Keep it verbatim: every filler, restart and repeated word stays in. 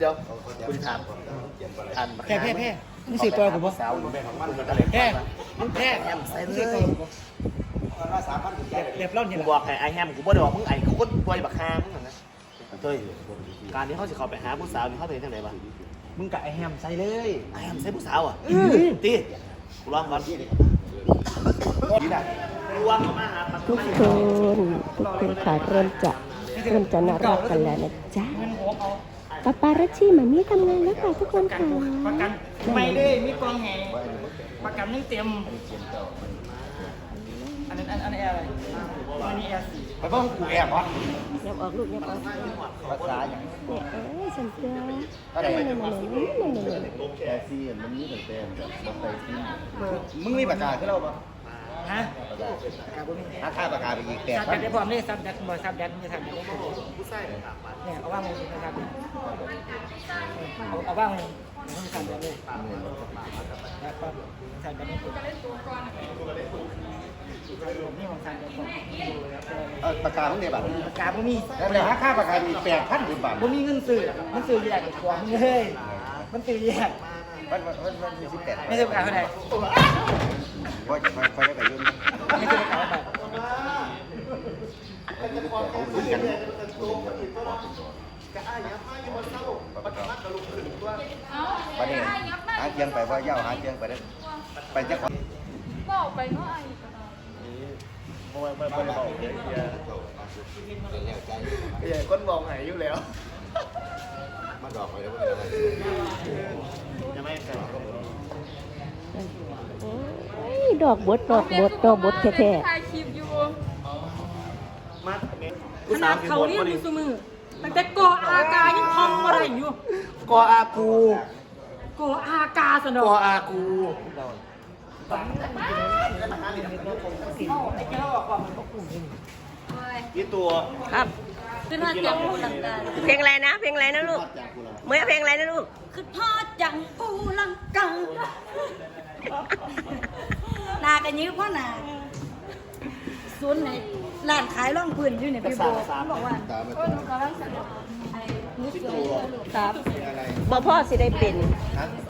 เดี๋ยวคุณถามอันแพ้แพ้แพ้มึงสิตัวกูบ่สาวมึงแพ้แพ้มึงแพ้แฮมใส่เลยเรียบร้อยเนี่ยบอกให้ไอแฮมกูบ่ได้บอกมึงไอ้กูคนปล่อยบักฮามึงนะเฮ้ยการนี้เขาสิเข้าไปหาผู้สาวนี่เขาเป็นทางไหนบ้างมึงกับไอแฮมใส่เลยไอแฮมใส่ผู้สาวอ่ะตีกูลองก่อนทุกคนทุกคนค่ะเริ่มจะเริ่มจะน่ารักกันแล้วนะจ๊ะปาปารัชชี่มามีทำงานแล้วค่ะทุกคนค่ะประกันไม่ได้มีกองแห่ประกันนี่เต็มอันนั้นอันนี้อะไรอันนี้แอร์สี่ไปบ้างกูแอบวะยับออกลูกยับออกภาษาอย่างเนี่ยเอ้ยฉันเจออะไรเนี่ยเนี่ยเนี่ยเนี่ยแค่ซีมันมีแต่เต็มแบบใส่ซีมึงมีปากกาที่เราปะฮะถ้าค่าปากกาไปอีกแต่ซับแดดได้พร้อมนี่ซับแดดบ่ซับแดดนี่ซับแดดเนี่ยเอาว่างเลยนะครับเอาเอาว่างเลยไม่ซับแดดเลยแล้วก็ซับแดดนี่นี่ของซับแดดก่อนเออปากกาพวกนี้แบบปากกาบ่มีแล้วค่าปากกามีแปดพันบาทบ่มีเงินซื้อมันซื้อแยกกับของเลยมันซื้อแยกมันมันมันมีสิบแปดไม่ซื้อปากกาเท่าไหร่พอพอพอได้ไปยุ่งไม่ซื้อปากกาแบบประเด็นหาเตียงไปว่าเย้าหาเตียงไปได้ไปจะขอบอกไปเนาะไอ้โอ้ยไม่ไม่บอกเลยเฮียคนมองหายอยู่แล้วมาดอกไปแล้วจะไม่กันดอกบดดอกบดดอกบดแท้ๆถ่ายคลิปอยู่ขนาดเขาเรียกมือมือตั้งแต่กออากายังพองอะไรอยู่กออากูกออากาสนอกออากูยี่ตัวครับคือน่าจะพูดหลังการเพลงอะไรนะเพลงอะไรนะลูกเมื่อเพลงอะไรนะลูกคือทอดจังปูลังกังนากันยื้อพ่อนาศูนย์ไหนร้านขายร่องพื้นอยู่เนี่ยพี่โบบอกว่าโอ้ยหนูกำลังสั่งไอ้หนูสวยเลยลูกครับบ่พ่อสิได้เป็น